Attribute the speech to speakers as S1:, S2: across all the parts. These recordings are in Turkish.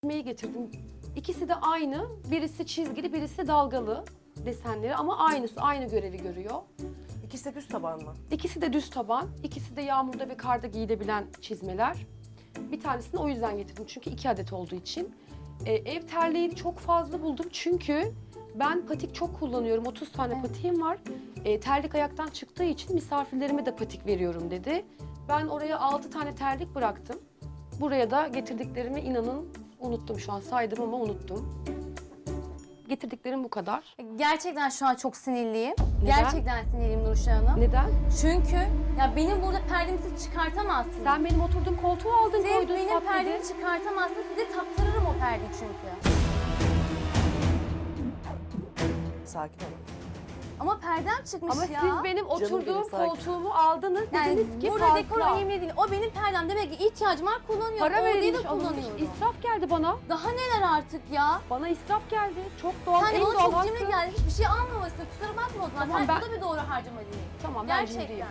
S1: çizmeyi getirdim. İkisi de aynı. Birisi çizgili, birisi dalgalı desenleri ama aynı görevi görüyor.
S2: İkisi de düz taban mı?
S1: İkisi de düz taban, ikisi de yağmurda ve karda giyilebilen çizmeler. Bir tanesini o yüzden getirdim çünkü 2 adet olduğu için. Ev terliğini çok fazla buldum çünkü ben patik çok kullanıyorum. 30 tane patiğim var. Terlik ayaktan çıktığı için misafirlerime de patik veriyorum dedi. Ben oraya 6 tane terlik bıraktım. Buraya da getirdiklerimi inanın unuttum şu an. Saydım ama unuttum. Getirdiklerim bu kadar.
S3: Gerçekten şu an çok sinirliyim.
S1: Neden?
S3: Gerçekten sinirliyim Nurşah Hanım.
S1: Neden?
S3: Çünkü ya benim burada perdemizi çıkartamazsınız.
S1: Sen benim oturduğum koltuğu aldın,
S3: Siz
S1: koydun,
S3: benim
S1: sat dedi.
S3: perdemi çıkartamazsınız. Size taktırırım o perdeyi çünkü.
S2: Sakin olun.
S3: Ama perdem çıkmış
S1: Ama
S3: ya.
S1: siz benim oturduğum
S2: benim, sakin.
S1: koltuğumu aldınız,
S3: yani
S1: dediniz ki
S3: burada
S1: fazla.
S3: dekor önemli değil. O benim perdem. Demek ki ihtiyacım var, kullanıyorum.
S1: Para
S3: Orayı
S1: verilmiş,
S3: da
S1: alınmış,
S3: kullanıyorum.
S1: israf geldi bana.
S3: Daha neler artık ya?
S1: Bana israf geldi. Çok doğal,
S3: Sen
S1: en
S3: bana
S1: doğal
S3: çok cimri
S1: hakkı.
S3: geldi. Hiçbir şey almamışsın. Kusura bakma o zaman.
S1: Tamam,
S3: Sen
S1: ben-
S3: bu da bir doğru harcama değil.
S1: Tamam, ben
S3: Gerçekten.
S1: cimriyim.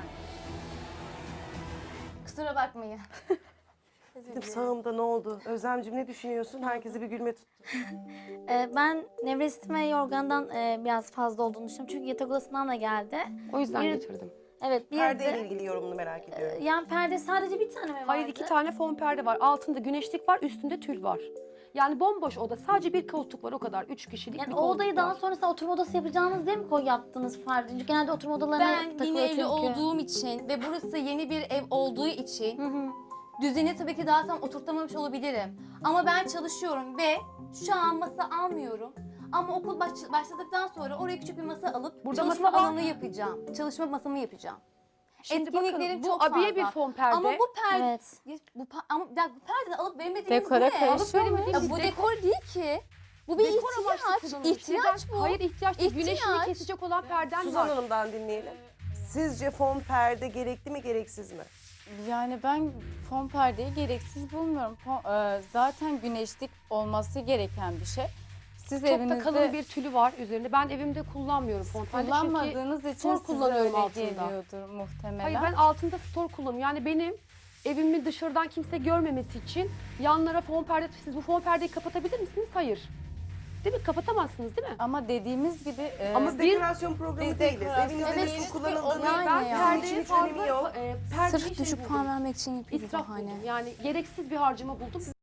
S3: Kusura bakmayın.
S2: Dedim sağımda ne oldu? Özlemciğim ne düşünüyorsun? Herkesi bir gülme tuttu.
S4: Ben nevresim ve yorgandan biraz fazla olduğunu düşünüyorum. Çünkü yatak odasından da geldi.
S1: O yüzden
S4: Bir-
S1: getirdim.
S4: Evet, bir
S2: Perdeyle
S4: de
S2: ilgili yorumunu merak ediyorum.
S4: yani perde sadece bir tane mi vardı?
S1: Hayır, 2 tane fon perde var. Altında güneşlik var, üstünde tül var. Yani bomboş oda. Sadece bir koltuk var o kadar. 3 kişilik
S4: Yani
S1: bir
S4: o
S1: koltuk
S4: odayı
S1: var.
S4: daha sonrasında oturma odası yapacağınız diye mi yaptınız farklı? Çünkü genelde oturma odalarına
S3: Ben
S4: takılıyor
S3: yeni evli
S4: çünkü.
S3: olduğum için ve burası yeni bir ev olduğu için
S4: Hı hı.
S3: düzeni tabii ki daha tam oturtamamış olabilirim. Ama ben çalışıyorum ve şu an masa almıyorum. Ama okul başladıktan sonra oraya küçük bir masa alıp
S1: Burada
S3: çalışma
S1: masa var.
S3: alanı yapacağım. Çalışma masamı yapacağım.
S1: Şimdi
S3: Etkinliklerim
S1: bakın, bu
S3: çok
S1: abiye
S3: fazla.
S1: bir fon perde.
S3: Ama bu perde
S4: Evet.
S3: ama bir dakika, bu perdeden alıp veremediğiniz
S5: Dekora
S3: ne?
S5: karışıyor
S3: Alıp veremediğiniz-
S1: mu?
S3: Ya bu dekor değil ki. Bu bir
S1: Dekor amaçlı
S3: ihtiyaç.
S1: kullanılmış.
S3: İhtiyaç
S1: Neden?
S3: bu.
S1: Hayır, ihtiyaç değil.
S3: İhtiyaç.
S1: Güneşini kesecek olan perden
S2: Suzan
S1: var.
S2: Hanım'dan dinleyelim. Sizce fon perde gerekli mi gereksiz mi?
S5: Yani ben fon perdeyi gereksiz bulmuyorum. Zaten güneşlik olması gereken bir şey. Siz
S1: Çok da
S5: evinizde
S1: kalın bir tülü var üzerinde. Ben evimde kullanmıyorum fon perde çünkü...
S5: kullanmadığınız için
S1: stor
S5: size
S1: kullanıyorum
S5: öyle
S1: altında.
S5: geliyordur muhtemelen.
S1: Hayır, ben altında stor kullanıyorum. Yani benim evimi dışarıdan kimse görmemesi için yanlara fon perde... Siz bu fon perdeyi kapatabilir misiniz? Hayır. Değil mi? Kapatamazsınız değil mi?
S5: Ama dediğimiz gibi
S1: Ama
S2: Biz
S1: bir-
S2: dekorasyon programı
S5: Biz
S2: değiliz.
S5: dekorasyon-
S2: Evinizde
S3: Evet,
S2: nasıl
S3: siz
S2: kullanıldığını
S3: bir-
S1: Ben
S3: ya.
S1: perdeye
S2: sizin için önemi
S1: fazla...
S2: yok.
S1: perdeyi
S3: Sırf
S1: şey
S3: düşük
S1: buldum.
S3: puan vermek için yapıyor
S1: İsraf
S3: bahane.
S1: buldum. Yani gereksiz bir harcama buldum.